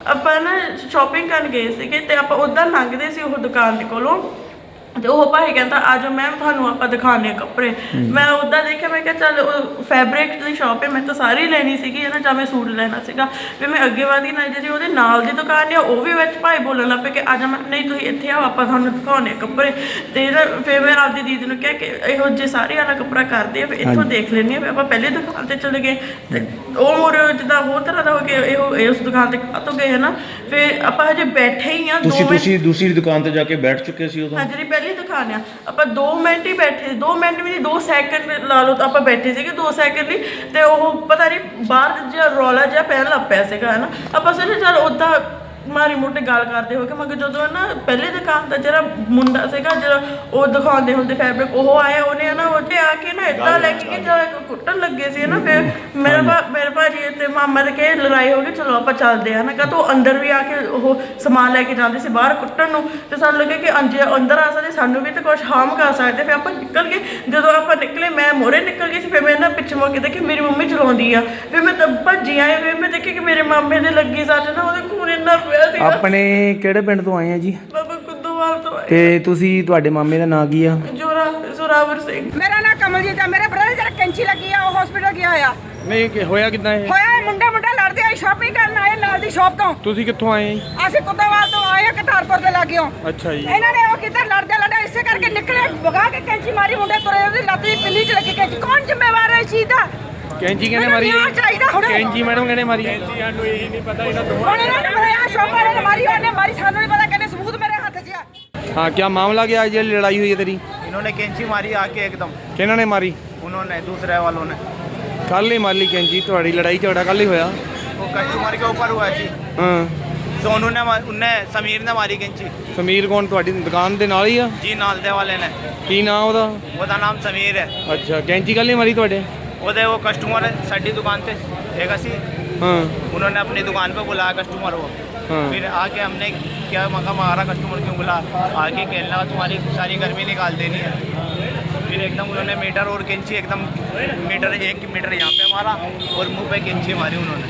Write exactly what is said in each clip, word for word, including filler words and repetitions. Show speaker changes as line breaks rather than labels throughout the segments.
ਆਪਾਂ ਨਾ ਸ਼ਾਪਿੰਗ ਕਰਨ ਗਏ ਸੀਗੇ ਤੇ ਆਪਾਂ ਉੱਦਾਂ ਲੰਘਦੇ ਸੀ ਉਹ ਦੁਕਾਨ ਦੇ ਕੋਲੋਂ ਤੇ ਉਹ ਭਾਈ ਕਹਿੰਦਾ ਆ ਜਾਓ ਮੈਮ ਤੁਹਾਨੂੰ ਆਪਾਂ ਦਿਖਾਉਂਦੇ ਆ ਕੱਪੜੇ। ਮੈਂ ਉੱਦਾਂ ਦੇਖਿਆ, ਮੈਂ ਕਿਹਾ ਚੱਲ ਉਹ ਫੈਬਰਿਕ ਦੀ ਸ਼ਾਪ ਹੈ, ਮੈਂ ਤਾਂ ਸਾਰੀ ਲੈਣੀ ਸੀਗੀ ਹੈ ਨਾ, ਜਾਂ ਮੈਂ ਸੂਟ ਲੈਣਾ ਸੀਗਾ। ਫਿਰ ਮੈਂ ਅੱਗੇ ਵਧੀ ਨਾ, ਜਿਹੜੀ ਉਹਦੇ ਨਾਲ ਦੀ ਦੁਕਾਨ ਹੈ ਉਹ ਵੀ ਵਿੱਚ ਭਾਈ ਬੋਲਣ ਲੱਗ ਪਏ ਕਿ ਆ ਜਾ ਮੈਂ, ਨਹੀਂ ਤੁਸੀਂ ਇੱਥੇ ਆਓ ਆਪਾਂ ਤੁਹਾਨੂੰ ਦਿਖਾਉਂਦੇ ਆ ਕੱਪੜੇ। ਤੇ ਫਿਰ ਮੈਂ ਆਪਦੀ ਦੀਦੀ ਨੂੰ ਕਿਹਾ ਕਿ ਇਹੋ ਜਿਹੇ ਸਾਰੇ ਵਾਲਾ ਕੱਪੜਾ ਕਰਦੇ ਆ, ਫਿਰ ਇੱਥੋਂ ਦੇਖ ਲੈਂਦੇ ਹਾਂ। ਫਿਰ ਆਪਾਂ ਪਹਿਲੇ ਦੁਕਾਨ 'ਤੇ ਚਲੇ ਗਏ ਤੇ ਉਹ ਮੁੜ ਜਿੱਦਾਂ ਹੋਰ ਤਰ੍ਹਾਂ ਦਾ ਹੋ ਕੇ ਇਹੋ ਉਸ ਦੁਕਾਨ 'ਤੇ ਕਾਹਤੋਂ ਗਏ ਹੈ ਨਾ। ਫਿਰ ਆਪਾਂ ਹਜੇ ਬੈਠੇ ਹੀ ਆ।
ਤੁਸੀਂ ਤੁਸੀਂ ਦੂਸਰੀ ਦੁਕਾਨ 'ਤੇ ਜਾ ਕੇ ਬੈਠ ਚੁੱਕੇ ਸੀ ਉਦੋਂ?
ਹਾਂ, ਜਿਹੜੀ ਪਹਿਲੀ ਦੁਕਾਨ ਆ ਆਪਾਂ ਦੋ ਮਿੰਟ ਹੀ ਬੈਠੇ, ਦੋ ਮਿੰਟ ਵੀ ਨਹੀਂ, ਦੋ ਸੈਕਿੰਡ ਲਾ ਲਓ ਤਾਂ ਆਪਾਂ ਬੈਠੇ ਸੀਗੇ ਦੋ ਸੈਕਿੰਡ ਲਈ। ਤੇ ਉਹ ਪਤਾ ਨਹੀਂ ਬਾਹਰ ਜਿਹਾ ਰੌਲਾ ਜਿਹਾ ਪੈਣ ਲੱਗ ਪਿਆ ਸੀਗਾ ਹੈ ਨਾ। ਆਪਾਂ ਸੋਚਿਆ ਚੱਲ ਉੱਦਾਂ ਮਾੜੀ ਮੋਟੀ ਗੱਲ ਕਰਦੇ ਹੋ ਕੇ, ਮਗਰ ਜਦੋਂ ਨਾ ਪਹਿਲੇ ਦੁਕਾਨ ਦਾ ਜਿਹੜਾ ਮੁੰਡਾ ਸੀਗਾ ਜਿਹੜਾ ਉਹ ਦਿਖਾਉਂਦੇ ਹੁੰਦੇ ਫੈਬਰਿਕ, ਉਹ ਆਇਆ, ਉਹਨੇ ਨਾ ਉੱਥੇ ਆ ਕੇ ਨਾ ਇੱਦਾਂ ਲੈ ਕੇ ਜਦੋਂ ਕੁੱਟਣ ਲੱਗੇ ਸੀ ਨਾ। ਫਿਰ ਮੇਰੇ ਭਾ ਮੇਰੇ ਭਾਜੀ ਤੇ ਮਾਮਾ ਦੇ ਕੇ ਲੜਾਈ ਹੋ ਗਈ, ਚਲੋ ਆਪਾਂ ਚੱਲਦੇ ਆ ਨਾ। ਕਾ ਤੋ ਅੰਦਰ ਵੀ ਆ ਕੇ ਉਹ ਸਮਾਨ ਲੈ ਕੇ ਜਾਂਦੇ ਸੀ ਬਾਹਰ ਕੁੱਟਣ ਨੂੰ, ਤੇ ਸਾਨੂੰ ਲੱਗੇ ਕਿ ਅੰਜੇ ਅੰਦਰ ਆ ਸਕਦੇ, ਸਾਨੂੰ ਵੀ ਤਾਂ ਕੁਛ ਹਾਰਮ ਕਰ ਸਕਦੇ। ਫਿਰ ਆਪਾਂ ਨਿਕਲ ਗਏ। ਜਦੋਂ ਆਪਾਂ ਨਿਕਲੇ ਮੈਂ ਮੋਰੇ ਨਿਕਲ ਗਈ ਸੀ। ਫਿਰ ਮੈਂ ਨਾ ਪਿੱਛੇ ਮੁੜ ਕੇ ਦੇਖਿਆ ਮੇਰੀ ਮੰਮੀ ਚਲਾਉਂਦੀ ਆ। ਫਿਰ ਮੈਂ ਤਾਂ ਭੱਜੀ ਆਈ। ਫਿਰ ਮੈਂ ਦੇਖਿਆ ਕਿ ਮੇਰੇ ਮਾਮੇ ਦੇ ਲੱਗੀ ਸੱਟ ਨਾ, ਉਹਦੇ ਖੂਨ ਇੰਨਾ
ਆਪਣੇ ਕਿਹੜੇ ਪਿੰਡ ਤੋਂ ਆਏ ਆ ਜੀ?
ਬਾਬਾ ਕੁੱਦੋਵਾਲ ਤੋਂ ਆਏ।
ਤੇ ਤੁਸੀਂ ਤੁਹਾਡੇ ਮਾਮੇ ਦਾ ਨਾਂ ਕੀ ਆ?
ਜੋਰਾ ਜ਼ੋਰਾਵਰ ਸਿੰਘ।
ਮੇਰਾ ਨਾਂ ਕਮਲਜੀਤ ਆ। ਮੇਰੇ ਬ੍ਰਦਰ ਜਿਹੜਾ ਕੈਂਚੀ ਲੱਗੀ ਆ ਉਹ ਹਸਪੀਟਲ ਗਿਆ ਆ।
ਨਹੀਂ ਕਿ ਹੋਇਆ ਕਿੱਦਾਂ ਇਹ?
ਹੋਇਆ ਮੁੰਡੇ ਮੁੰਡੇ ਲੜਦੇ ਆ, ਸ਼ਾਪਿੰਗ ਕਰਨ ਆਏ ਨਾਲ ਦੀ ਸ਼ਾਪ ਤੋਂ।
ਤੁਸੀਂ ਕਿੱਥੋਂ ਆਏ ਜੀ?
ਅਸੀਂ ਕੁੱਦੋਵਾਲ ਤੋਂ ਆਏ ਆ, ਕਟਾਰਪੁਰ ਦੇ ਲਾਗਿਓ।
ਅੱਛਾ ਜੀ।
ਇਹਨਾਂ ਨੇ ਉਹ ਕਿੱਧਰ ਲੜਦੇ ਲੜਦੇ ਇਸੇ ਕਰਕੇ ਨਿਕਲੇ, ਭਗਾ ਕੇ ਕੈਂਚੀ ਮਾਰੀ, ਮੁੰਡੇ ਤੁਰੇ, ਉਹਦੀ ਲੱਤ ਦੀ ਪਿੰਨੀ ਚ ਲੱਗੀ ਕੈਂਚੀ। ਕੌਣ ਜ਼ਿੰਮੇਵਾਰ ਹੈ ਇਸ ਚੀਜ਼ ਦਾ?
ਕੈਂਚੀ ਕਿਹਨੇ ਮਾਰੀ?
ਚਾਹੀਦਾ ਹੁਣ
ਕੈਂਚੀ ਮੈਡਮ ਕਿਹਨੇ ਮਾਰੀ?
ਹੁਣ ਇਹਨਾਂ ਨੇ ਮਾਰਿਆ, ਸ਼ਾਪ ਵਾਲੇ ਨੇ ਮਾਰੀ, ਉਹਨੇ ਮਾਰੀ, ਸਾਨੂੰ ਨਹੀਂ ਪਤਾ, ਕਹਿੰਦੇ ਸਬੂਤ ਮੇਰੇ ਹੱਥ 'ਚ ਆ।
हाँ, क्या मामला क्या है? ये लड़ाई हुई है तेरी?
इन्होंने कैंची मारी आके एकदम।
किन्हों ने मारी?
उन्होंने दूसरे वालों ने।
कल ही मारी कैंची? थोड़ी लड़ाई झगड़ा कल ही होया?
वो कस्टमर के ऊपर हुआ जी।
हाँ।
सोनू ने उनने समीर ने मारी कैंची।
समीर कौन? थोड़ी दुकान दे नाल ही आ?
जी नाल दे वाले ने।
की नाम ओदा?
ਉਹਦਾ ਨਾਮ ਸਮੀਰ ਹੈ।
अच्छा, कैंची कल ही मारी थोड़े?
ਉਹਦੇ वो कस्टमर साड़ी दुकान पे एक सी।
हाँ।
उन्होंने अपनी दुकान पे बुलाया कस्टमर वो।
हाँ।
फिर आके हमने क्या मका मारा कस्टमर क्यों बुला, आके कहना तुम्हारी सारी गर्मी निकाल देनी है। फिर एकदम उन्होंने मीटर और कैंची एकदम मीटर एक मीटर यहाँ पे मारा और मुंह पे कैंची मारी उन्होंने।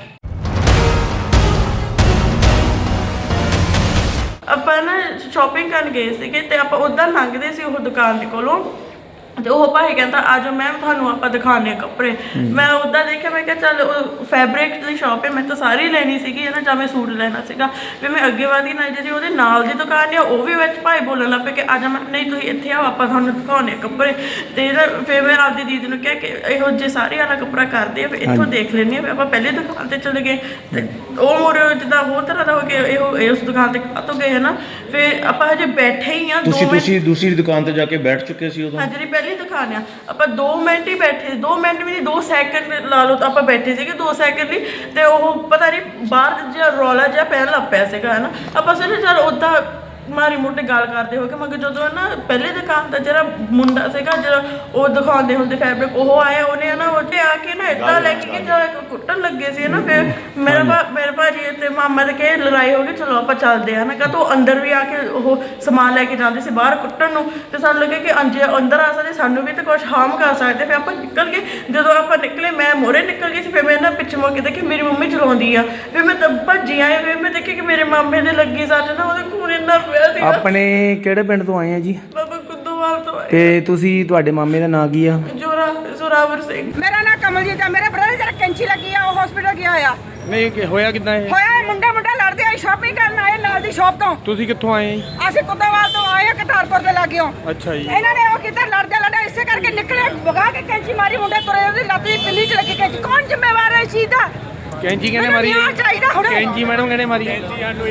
ਆਪਾਂ ਨਾ ਸ਼ਾਪਿੰਗ ਕਰਨ ਗਏ ਸੀਗੇ ਤੇ ਆਪਾਂ ਉੱਦਾਂ ਲੰਘਦੇ ਸੀ ਉਹ ਦੁਕਾਨ ਦੇ ਕੋਲੋਂ ਤੇ ਉਹ ਭਾਈ ਕਹਿੰਦਾ ਆ ਜਾਓ ਮੈਮ ਤੁਹਾਨੂੰ ਆਪਾਂ ਦਿਖਾਉਂਦੇ ਆ ਕੱਪੜੇ। ਮੈਂ ਉੱਦਾਂ ਦੇਖਿਆ, ਮੈਂ ਕਿਹਾ ਚੱਲ ਉਹ ਫੈਬਰਿਕ ਦੀ ਸ਼ਾਪ ਹੈ, ਮੈਂ ਤਾਂ ਸਾਰੀ ਲੈਣੀ ਸੀਗੀ ਹੈ ਨਾ, ਜਾਂ ਮੈਂ ਸੂਟ ਲੈਣਾ ਸੀਗਾ। ਫਿਰ ਮੈਂ ਅੱਗੇ ਵਧੀ ਨਾ, ਜਿਹੜੀ ਉਹਦੇ ਨਾਲ ਦੀ ਦੁਕਾਨ ਹੈ ਉਹ ਵੀ ਵਿੱਚ ਭਾਈ ਬੋਲਣ ਲੱਗ ਪਏ ਕਿ ਆ ਜਾ ਮੈਂ, ਨਹੀਂ ਤੁਸੀਂ ਇੱਥੇ ਆਓ ਆਪਾਂ ਤੁਹਾਨੂੰ ਦਿਖਾਉਂਦੇ ਆ ਕੱਪੜੇ। ਤੇ ਫਿਰ ਮੈਂ ਆਪਦੀ ਦੀਦੀ ਨੂੰ ਕਿਹਾ ਕਿ ਇਹੋ ਜਿਹੇ ਸਾਰੇ ਵਾਲਾ ਕੱਪੜਾ ਕਰਦੇ ਆ, ਫਿਰ ਇੱਥੋਂ ਦੇਖ ਲੈਂਦੇ ਹਾਂ। ਫਿਰ ਆਪਾਂ ਪਹਿਲੇ ਦੁਕਾਨ 'ਤੇ ਚਲੇ ਗਏ ਤੇ ਉਹ ਮੁੜ ਜਿੱਦਾਂ ਹੋਰ ਤਰ੍ਹਾਂ ਦਾ ਹੋ ਕੇ ਇਹੋ ਉਸ ਦੁਕਾਨ 'ਤੇ ਕਾਹਤੋਂ ਗਏ ਹੈ ਨਾ। ਫਿਰ ਆਪਾਂ ਹਜੇ ਬੈਠੇ ਹੀ ਆ।
ਤੁਸੀਂ ਤੁਸੀਂ ਦੂਸਰੀ ਦੁਕਾਨ 'ਤੇ ਜਾ ਕੇ ਬੈਠ ਚੁੱਕੇ ਸੀ ਉਦੋਂ?
ਹਾਂ, ਜਿਹੜੀ ਪਹਿਲੀ ਦੁਕਾਨ ਆ ਆਪਾਂ ਦੋ ਮਿੰਟ ਹੀ ਬੈਠੇ, ਦੋ ਮਿੰਟ ਵੀ ਨਹੀਂ, ਦੋ ਸੈਕਿੰਡ ਲਾ ਲਓ ਤਾਂ ਆਪਾਂ ਬੈਠੇ ਸੀਗੇ ਦੋ ਸੈਕਿੰਡ ਲਈ। ਤੇ ਉਹ ਪਤਾ ਨਹੀਂ ਬਾਹਰ ਜਿਹਾ ਰੌਲਾ ਜਿਹਾ ਪੈਣ ਲੱਗ ਪਿਆ ਸੀਗਾ ਹੈ ਨਾ। ਆਪਾਂ ਸੋਚਿਆ ਚੱਲ ਉੱਦਾਂ ਮਾੜੀ ਮੋਟੀ ਗੱਲ ਕਰਦੇ ਹੋ ਕੇ, ਮਗਰ ਜਦੋਂ ਨਾ ਪਹਿਲੇ ਦੁਕਾਨ ਦਾ ਜਿਹੜਾ ਮੁੰਡਾ ਸੀਗਾ ਜਿਹੜਾ ਉਹ ਦਿਖਾਉਂਦੇ ਹੁੰਦੇ ਫੈਬਰਿਕ, ਉਹ ਆਇਆ, ਉਹਨੇ ਨਾ ਉੱਥੇ ਆ ਕੇ ਨਾ ਇੱਦਾਂ ਲੈ ਕੇ ਜਦੋਂ ਕੁੱਟਣ ਲੱਗੇ ਸੀ ਨਾ। ਫਿਰ ਮੇਰੇ ਭਾ ਮੇਰੇ ਭਾਜੀ ਤੇ ਮਾਮਾ ਦੇ ਕੇ ਲੜਾਈ ਹੋ ਗਈ, ਚਲੋ ਆਪਾਂ ਚੱਲਦੇ ਆ ਨਾ। ਕਾ ਤੋ ਅੰਦਰ ਵੀ ਆ ਕੇ ਉਹ ਸਮਾਨ ਲੈ ਕੇ ਜਾਂਦੇ ਸੀ ਬਾਹਰ ਕੁੱਟਣ ਨੂੰ, ਤੇ ਸਾਨੂੰ ਲੱਗੇ ਕਿ ਅੰਜੇ ਅੰਦਰ ਆ ਸਕਦੇ, ਸਾਨੂੰ ਵੀ ਤਾਂ ਕੁਛ ਹਾਰਮ ਕਰ ਸਕਦੇ। ਫਿਰ ਆਪਾਂ ਨਿਕਲ ਗਏ। ਜਦੋਂ ਆਪਾਂ ਨਿਕਲੇ ਮੈਂ ਮੋਰੇ ਨਿਕਲ ਗਈ ਸੀ। ਫਿਰ ਮੈਂ ਨਾ ਪਿੱਛੇ ਮੁੜ ਕੇ ਦੇਖਿਆ ਮੇਰੀ ਮੰਮੀ ਚਲਾਉਂਦੀ ਆ। ਫਿਰ ਮੈਂ ਤਾਂ ਭੱਜੀ ਆਈ। ਫਿਰ ਮੈਂ ਦੇਖਿਆ ਕਿ ਮੇਰੇ ਮਾਮੇ ਦੇ ਲੱਗੀ ਸੱਟ ਨਾ, ਉਹਦੇ ਖੂਨ ਇੰਨਾ
ਆਪਣੇ ਕਿਹੜੇ ਪਿੰਡ ਤੋਂ ਆਏ ਆ ਜੀ?
ਬਾਬਾ ਕੁੱਦੋਵਾਲ ਤੋਂ ਆਏ।
ਤੇ ਤੁਸੀਂ ਤੁਹਾਡੇ ਮਾਮੇ ਦਾ ਨਾਂ ਕੀ ਆ?
ਜੋਰਾ ਜ਼ੋਰਾਵਰ ਸਿੰਘ।
ਮੇਰਾ ਨਾਂ ਕਮਲਜੀਤ ਆ। ਮੇਰੇ ਬ੍ਰਦਰ ਜਿਹੜਾ ਕੈਂਚੀ ਲੱਗੀ ਆ ਉਹ ਹਸਪੀਟਲ ਗਿਆ ਆ।
ਨਹੀਂ ਕਿ ਹੋਇਆ ਕਿੱਦਾਂ ਇਹ?
ਹੋਇਆ ਮੁੰਡੇ ਮੁੰਡੇ ਲੜਦੇ ਆ, ਸ਼ਾਪਿੰਗ ਕਰਨ ਆਏ ਨਾਲ ਦੀ ਸ਼ਾਪ ਤੋਂ।
ਤੁਸੀਂ ਕਿੱਥੋਂ ਆਏ ਜੀ?
ਅਸੀਂ ਕੁੱਦੋਵਾਲ ਤੋਂ ਆਏ ਆ, ਕਟਾਰਪੁਰ ਦੇ ਲਾਗਿਓ।
ਅੱਛਾ ਜੀ।
ਇਹਨਾਂ ਨੇ ਉਹ ਕਿੱਧਰ ਲੜਦੇ ਲੜਦੇ ਇਸੇ ਕਰਕੇ ਨਿਕਲੇ, ਭਗਾ ਕੇ ਕੈਂਚੀ ਮਾਰੀ, ਮੁੰਡੇ ਤੁਰੇ, ਉਹਦੀ ਲੱਤ ਦੀ ਪਿੰਨੀ ਚ ਲੱਗੀ ਕੈਂਚੀ। ਕੌਣ ਜ਼ਿੰਮੇਵਾਰ ਹੈ ਇਸ ਚੀਜ਼ ਦਾ?
कैंची किहने मारी?
ਚਾਹੀਦਾ ਹੁਣ
कैंची मैडम किहने मारी?
ਹੁਣ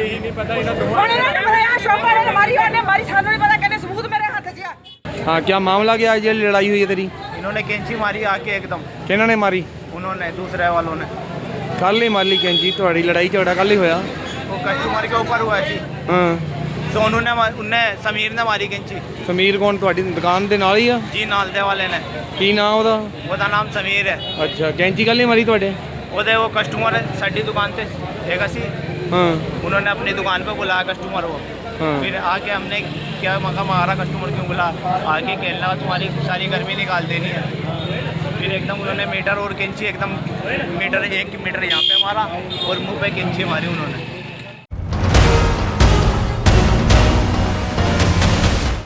ਇਹਨਾਂ ਨੇ ਮਾਰਿਆ, ਸ਼ਾਪ ਵਾਲੇ ਨੇ ਮਾਰੀ, ਉਹਨੇ ਮਾਰੀ, ਸਾਨੂੰ नहीं पता, कहने सबूत मेरे हाथ 'ਚ आ।
हाँ, क्या मामला क्या है? ये लड़ाई हुई है तेरी?
इन्होंने कैंची मारी आके एकदम।
किन्हों ने मारी?
उन्होंने दूसरे वालों ने।
कल ही मारी कैंची? थोड़ी लड़ाई झगड़ा कल ही होया?
वो कस्टमर के ऊपर हुआ जी।
हाँ।
सोनू ने उनने समीर ने मारी कैंची।
समीर कौन? थोड़ी दुकान दे नाल ही आ?
जी नाल दे वाले ने।
की नाम ओदा?
ਉਹਦਾ ਨਾਮ ਸਮੀਰ ਹੈ।
अच्छा, कैंची कल ही मारी थोड़े?
ਉਹਦੇ वो कस्टमर साड़ी दुकान पे एक सी।
हाँ।
उन्होंने अपनी दुकान पे बुलाया कस्टमर वो।
हाँ।
फिर आके हमने क्या मका मारा कस्टमर क्यों बुला, आके कहना तुम्हारी सारी गर्मी निकाल देनी है। फिर एकदम उन्होंने मीटर और कैंची एकदम मीटर एक मीटर यहाँ पे मारा और मुंह पे कैंची मारी उन्होंने।